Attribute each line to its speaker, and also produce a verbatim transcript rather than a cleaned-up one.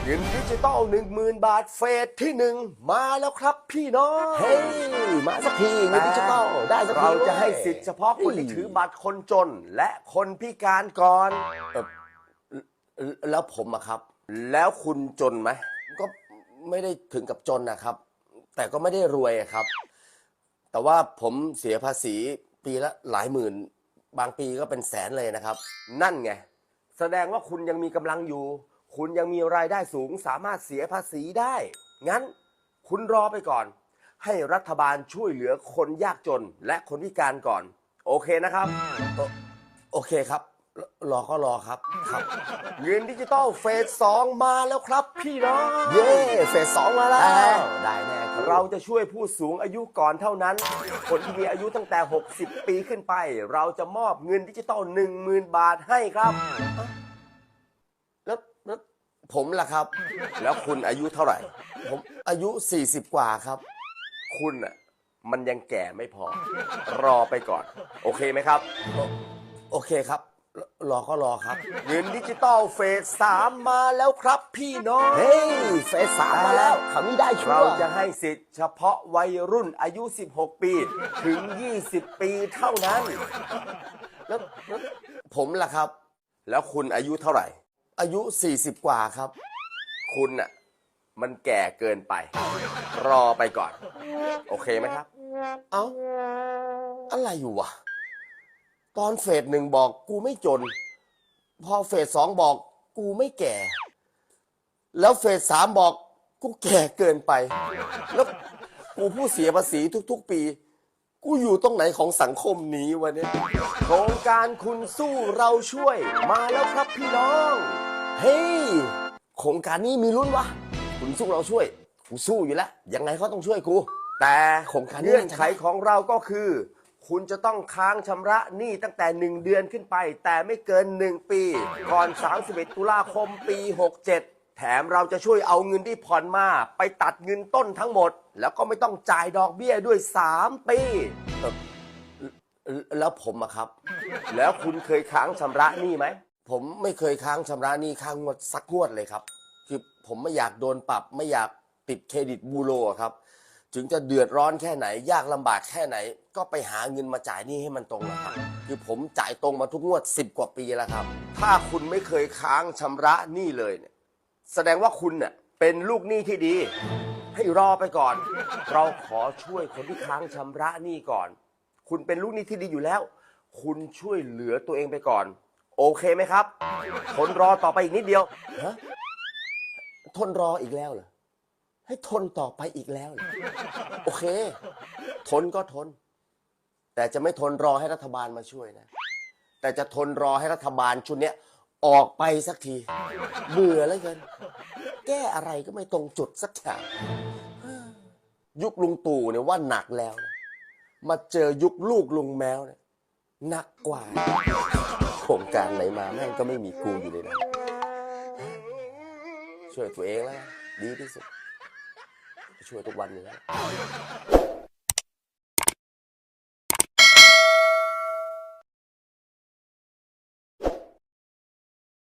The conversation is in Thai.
Speaker 1: เงินดิจิตอลหนึ่งหมื่นบาทเฟสที่หนึ่งมาแล้วครับพี่น้องเฮ้ยมาสักทีเงินดิจิตอลได้สักทีเราจะให้สิทธิ์เฉพาะคนที่ถือบัตรคนจนและคนพิการก่อนเออแล้วผมอะครับแล้วคุณจนไหมก็ไม่ได้ถึงกับจนนะครับแต่ก็ไม่ได้รวยครับแต่ว่าผมเสียภาษีปีละหลายหมื่นบางปีก็เป็นแสนเลยนะครับนั่นไงแสดงว่าคุณยังมีกำลังอยู่คุณยังมีรายได้สูงสามารถเสียภาษีได้งั้นคุณรอไปก่อนให้รัฐบาลช่วยเหลือคนยากจนและคนพิการก่อนโอเคนะครับโอโอเคครับรอก็รอครับครับเงินดิจิตอลเฟสสองมาแล้วครับพี่น้องเย้เฟสสองมาแล้วได้แน่เราจะช่วยผู้สูงอายุก่อนเท่านั้นคนที่มีอายุตั้งแต่หกสิบปีขึ้นไปเราจะมอบเงินดิจิตอลหนึ่งหมื่นบาทให้ครับแล้วแล้วผมล่ะครับแล้วคุณอายุเท่าไหร่ผมอายุสี่สิบกว่าครับคุณอ่ะมันยังแก่ไม่พอรอไปก่อนโอเคไหมครับโอเคครับรอก็รอครับเงินดิจิตอลเฟสสามมาแล้วครับพี่น้องเฮ้ยเฟสสามมาแล้วคำนี้ได้ชัวร์เราจะให้สิทธิ์เฉพาะวัยรุ่นอายุสิบหกปีถึงยี่สิบปีเท่านั้นแล้วแล้วผมล่ะครับแล้วคุณอายุเท่าไหร่อายุสี่สิบกว่าครับคุณน่ะมันแก่เกินไปรอไปก่อนโอเคไหมครับเอ้าอะไรอยู่วะตอนเฟสหนึ่งบอกกูไม่จนพอเฟสสองบอกกูไม่แก่แล้วเฟสสามบอกกูแก่เกินไปแล้วกูผู้เสียภาษีทุกๆปีกูอยู่ตรงไหนของสังคมนี้วะเนี่ยโครงการคุณสู้เราช่วยมาแล้วครับพี่น้องเฮ้ยโครงการนี้มีลุ้นวะคุณสู้เราช่วยกูสู้อยู่แล้วยังไงเขาต้องช่วยกูแต่โครงการเงื่อนไขของเราก็คือคุณจะต้องค้างชำระหนี้ตั้งแต่หนึ่งเดือนขึ้นไปแต่ไม่เกินหนึ่งปีก่อนสามสิบเอ็ดตุลาคมปีหกเจ็ดแถมเราจะช่วยเอาเงินที่ผ่อนมาไปตัดเงินต้นทั้งหมดแล้วก็ไม่ต้องจ่ายดอกเบี้ยด้วยสามปีแล้วผมอะครับแล้วคุณเคยค้างชำระหนี้ไหมผมไม่เคยค้างชำระหนี้ค้างงวดสักงวดเลยครับคือผมไม่อยากโดนปรับไม่อยากติดเครดิตบูโรครับถึงจะเดือดร้อนแค่ไหนยากลำบากแค่ไหนก็ไปหาเงินมาจ่ายหนี้ให้มันตรงนะครับคือผมจ่ายตรงมาทุกงวดสิบกว่าปีแล้วครับถ้าคุณไม่เคยค้างชำระหนี้เลยเนี่ยแสดงว่าคุณเน่ยเป็นลูกหนี้ที่ดีให้รอไปก่อนเราขอช่วยคนที่ค้างชำระหนี้ก่อนคุณเป็นลูกหนี้ที่ดีอยู่แล้วคุณช่วยเหลือตัวเองไปก่อนโอเคไหมครับทนรอต่อไปอีกนิดเดียวฮะทนรออีกแล้วเหรอให้ทนต่อไปอีกแล้วเหรอโอเคทนก็ทนแต่จะไม่ทนรอให้รัฐบาลมาช่วยนะแต่จะทนรอให้รัฐบาลชุดนี้ออกไปสักทีเบื่อแล้วเกินแก้อะไรก็ไม่ตรงจุดสักอย่างยุคลุงตู่เนี่ยว่าหนักแล้วนะมาเจอยุคลูกลุงแมวเนี่ยหนักกว่าโครงการไหนมาแม่งก็ไม่มีกูอยู่เลยนะช่วยตัวเองแล้วดีที่สุดช่วยทุกวันอยู่แล้ว